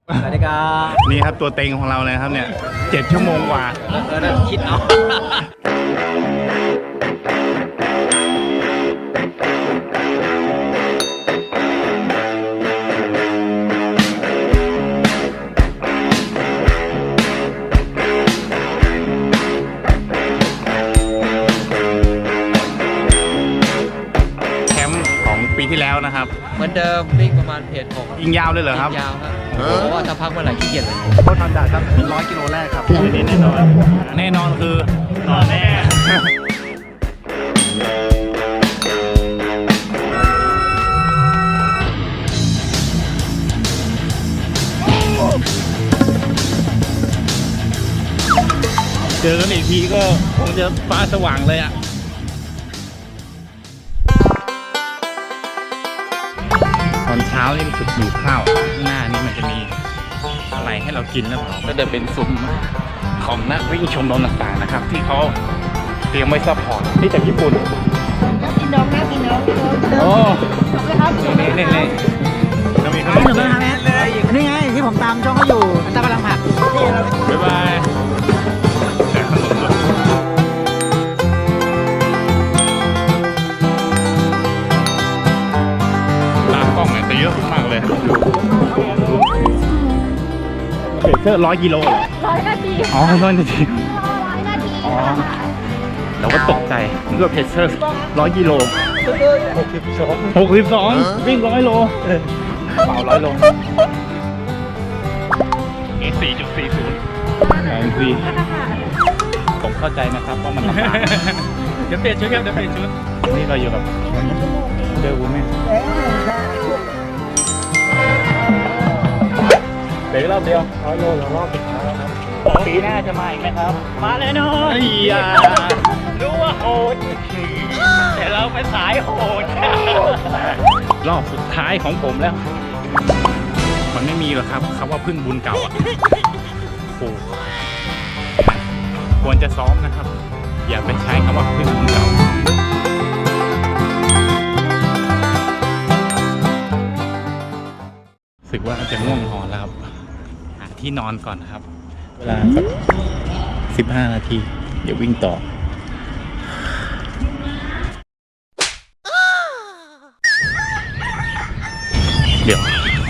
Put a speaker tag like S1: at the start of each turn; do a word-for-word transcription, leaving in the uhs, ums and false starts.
S1: สวัสดีครับ
S2: นี่ครับตัวเต็งของเราเลยครับเนี่ยเจ็ดชั่วโมงกว่า
S1: เออเออคิดเอา
S2: แคมป์ของปีที่แล้วนะครับ
S1: เหมือนเดิมวิ่งประมาณเพจหก
S2: ยิงยาวเลยเหรอครับ
S1: ยาวครับเพราะว่าถ้าพักเมื่อไหร่ขี้เกียจเลย
S3: โคตรทันดาครับร้อยกิโลแรกครับ
S2: นี่แน่นอนแน่นอนคือนอนแน่เจอกันอีกทีก็คงจะฟ้าสว่างเลยอ่ะตอนเช้านี่รู้สึกหิวข้าวข้างหน้านี่มันจะมีอะไรให้เรากินแล้วเปล่าก็จะเป็นซุ้มของนักวิ่งชมรมต่างๆนะครับ ที่เขาเตรียมไว้ซัพพอร์ตนี่จากญี่ปุ่น
S4: น่ากินน้องน่ากินน้อง
S2: โอ้
S4: ขอบคุณครับ
S2: นี่นี่นี่เรามีขน
S3: ข
S2: ม
S3: นมนะครับแม่นี่ไงที่ผมตามช่องเขาอยู่ตามพลังผักนี่เรา
S2: บ๊ายบายแจกขนมด้วยตากล้องเนี่ยจะเยอะมากเลยเบเกอร์ร้อยกิโลเหรอ
S4: ร้อยนาที
S2: อ๋อร้อยนาที
S4: ร้อยนาที
S2: อ๋อเราก็ตกใจเลือกเพจเซอร์ร้อยกิโลหกสิบสองหกสิบสองวิ่งร้อยโลเปล่าร้อยโลนี่สี่จุดสี่ศูนย์แองซีผมเข้าใจนะครับว่ามันลำบากเดี๋ยวเปลี่ยนชุดครับเดี๋ยวเปลี่ยนชุดนี่เราอยู่กับเจอวุ้นแม่เดี๋ยวรอบเดียวร้อยโลแล้วรอบสุดท้ายแล้วครับปีหน้าจะมาอีกไหมครับมาแน่นอนอย่ารู้ว่าโหดแต่เราเป็นสายโหดรอบสุดท้ายของผมแล้ว มันไม่มีหรอกครับคำว่าพึ่งบุญเก่าอ่ะโอ้ควรจะซ้อมนะครับ อย่าไปใช้คำว่าพึ่งบุญเก่ารู้สึกว่าจะง่วงนอนแล้วครับหาที่นอนก่อนนะครับ เวลาสักสิบห้านาที เดี๋ยววิ่งต่อ เดี๋ยว